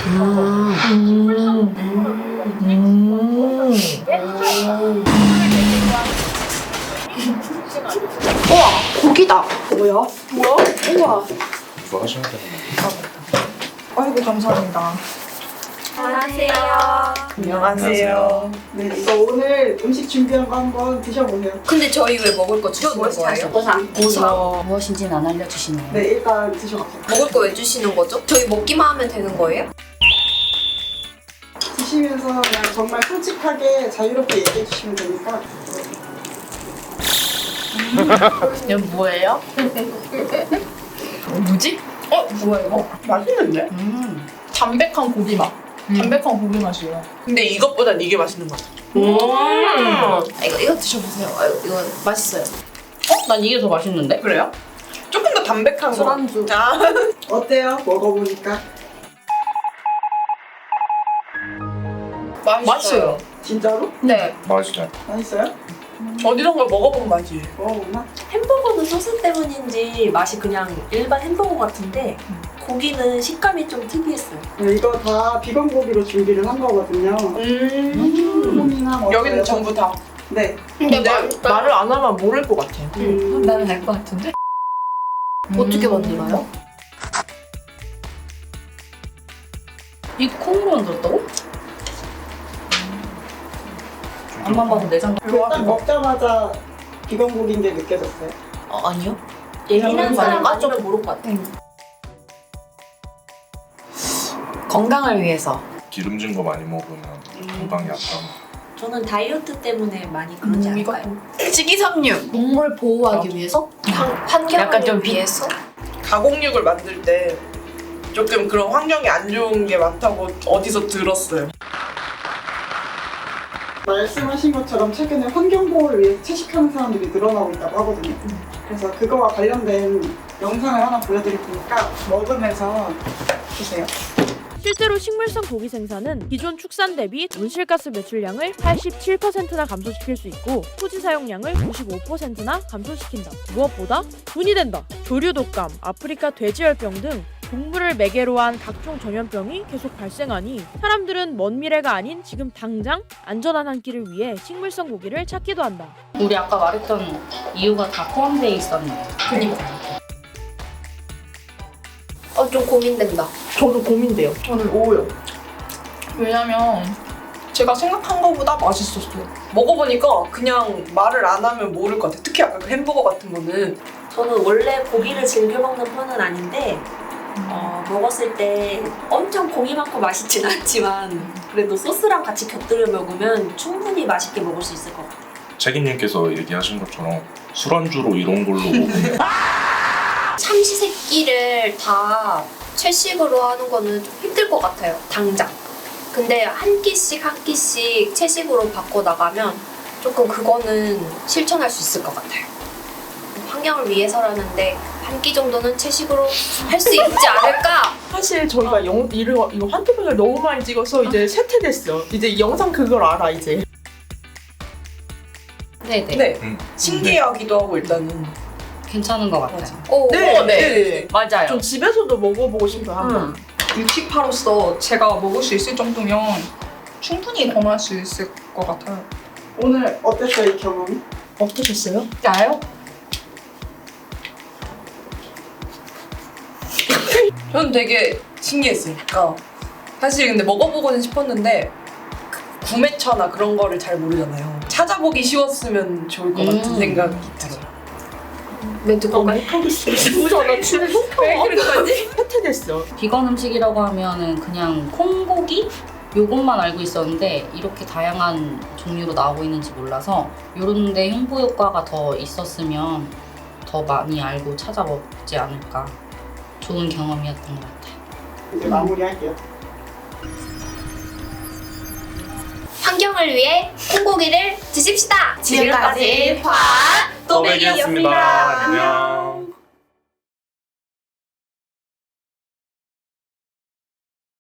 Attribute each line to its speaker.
Speaker 1: 우와, 고기다.
Speaker 2: 뭐야? 우와.
Speaker 3: 뭐 하시면 되는
Speaker 2: 아이고 감사합니다.
Speaker 1: 안녕하세요.
Speaker 2: 안녕하세요. 네, 이거 오늘 음식 준비한 거 한번 드셔보세요.
Speaker 1: 근데 저희 왜 먹을 거 주시는 거예요? 보상.
Speaker 4: 무엇인지는 안 알려주시네요.
Speaker 2: 네, 일단 드셔보세요.
Speaker 1: 먹을 거 왜 주시는 거죠? 저희 먹기만 하면 되는 거예요?
Speaker 2: 드시면서 그냥 정말 솔직하게 자유롭게 얘기해 주시면 되니까.
Speaker 4: 이거 뭐예요? 뭐지?
Speaker 5: 뭐야 이거? 맛있는데? 담백한 고기 맛. 담백한 고기 맛이에요. 근데 이것보단 이게 맛있는 것 같아.
Speaker 1: 이거 드셔보세요. 이거 맛있어요.
Speaker 4: 난 이게 더 맛있는데?
Speaker 5: 그래요? 조금 더 담백한 거.
Speaker 1: 술안주.
Speaker 5: 아.
Speaker 2: 어때요? 먹어보니까?
Speaker 5: 맛있어요.
Speaker 2: 진짜로?
Speaker 1: 네.
Speaker 3: 맛이죠.
Speaker 2: 맛있어요?
Speaker 5: 어디선가 먹어본 맛이에요.
Speaker 2: 먹어보나?
Speaker 6: 햄버거는 소스 때문인지 맛이 그냥 일반 햄버거 같은데 고기는 식감이 좀 특이했어요.
Speaker 2: 네, 이거 다 비건 고기로 준비를 한 거거든요. 콩이나 뭐
Speaker 5: 여기는
Speaker 2: 여러
Speaker 5: 전부 다.
Speaker 2: 네.
Speaker 1: 근데
Speaker 5: 말을 안 하면 모를 것 같아.
Speaker 1: 나는 알 것 같은데? 어떻게 만들어요?
Speaker 4: 이 콩으로 만들었다고? 앞만 봐도 내장.
Speaker 2: 딱 먹자마자 비건 고기인 게 느껴졌어요.
Speaker 1: 아니요.
Speaker 6: 예민한 사람 아니면 모를 것 같아요.
Speaker 1: 건강을 위해서.
Speaker 3: 기름진 거 많이 먹으면 건강이 약간.
Speaker 6: 저는 다이어트 때문에 많이 그러지 않을까요?
Speaker 1: 식이섬유. 동물 보호하기 위해서? 환경을
Speaker 4: 약간 좀
Speaker 1: 위해서?
Speaker 5: 가공육을 만들 때 조금 그런 환경이 안 좋은 게 많다고 어디서 들었어요.
Speaker 2: 말씀하신 것처럼 최근에 환경보호를 위해 채식하는 사람들이 늘어나고 있다고 하거든요. 그래서 그거와 관련된 영상을 하나 보여드릴 테니까 먹으면서 드세요.
Speaker 7: 실제로 식물성 고기 생산은 기존 축산 대비 온실가스 매출량을 87%나 감소시킬 수 있고 토지 사용량을 95%나 감소시킨다. 무엇보다 돈이 된다. 조류 독감, 아프리카 돼지열병 등 동물을 매개로 한 각종 전염병이 계속 발생하니 사람들은 먼 미래가 아닌 지금 당장 안전한 한 끼를 위해 식물성 고기를 찾기도 한다.
Speaker 4: 우리 아까 말했던 이유가 다 포함되어 있었네.
Speaker 1: 그니까. 좀 고민된다.
Speaker 5: 저도 고민돼요. 저는 5요. 왜냐면 제가 생각한 것보다 맛있었어요. 먹어보니까 그냥 말을 안 하면 모를 것 같아요. 특히 아까 그 햄버거 같은 거는
Speaker 6: 저는 원래 고기를 즐겨 먹는 편은 아닌데 먹었을 때 엄청 고기 많고 맛있진 않지만 그래도 소스랑 같이 곁들여 먹으면 충분히 맛있게 먹을 수 있을 것 같아요.
Speaker 3: 책임님께서 얘기하신 것처럼 술안주로 이런 걸로 먹으면
Speaker 1: 삼시세끼를 다 채식으로 하는 거는 좀 힘들 것 같아요. 당장. 근데 한 끼씩 한 끼씩 채식으로 바꿔 나가면 조금 그거는 실천할 수 있을 것 같아요. 환경을 위해서라는데 한 끼 정도는 채식으로 할 수 있지 않을까?
Speaker 5: 사실 저희가 이거 환토백을 너무 많이 찍어서 이제 쇠퇴됐어. 이제 이 영상 그걸 알아 이제.
Speaker 4: 네네.
Speaker 5: 네. 신기하기도 하고 일단은.
Speaker 4: 괜찮은 것 같아요.
Speaker 1: 오,
Speaker 5: 네.
Speaker 4: 맞아요.
Speaker 5: 좀 집에서도 먹어보고 싶어요 한번.
Speaker 8: 육식파로서 제가 먹을 수 있을 정도면 충분히 권할 수 있을 것 같아요.
Speaker 2: 오늘 어땠어요, 이 경험이?
Speaker 5: 어떠셨어요?
Speaker 8: 나요? 저는 되게 신기했어요. 사실 근데 먹어보고는 싶었는데 구매처나 그런 거를 잘 모르잖아요. 찾아보기 쉬웠으면 좋을 것 같은 생각이 들어요.
Speaker 1: 멘트 공간.
Speaker 8: 왜 그런 거지?
Speaker 5: 쇠퇴됐어.
Speaker 4: 비건 음식이라고 하면은 그냥 콩고기? 요것만 알고 있었는데 이렇게 다양한 종류로 나오고 있는지 몰라서 요런 데 홍보 효과가 더 있었으면 더 많이 알고 찾아 먹지 않을까. 좋은 경험이었던 것 같아요.
Speaker 2: 이제 마무리할게요.
Speaker 1: 환경을 위해 콩고기를 드십시다. 지금까지
Speaker 3: 또백이었습니다. 안녕.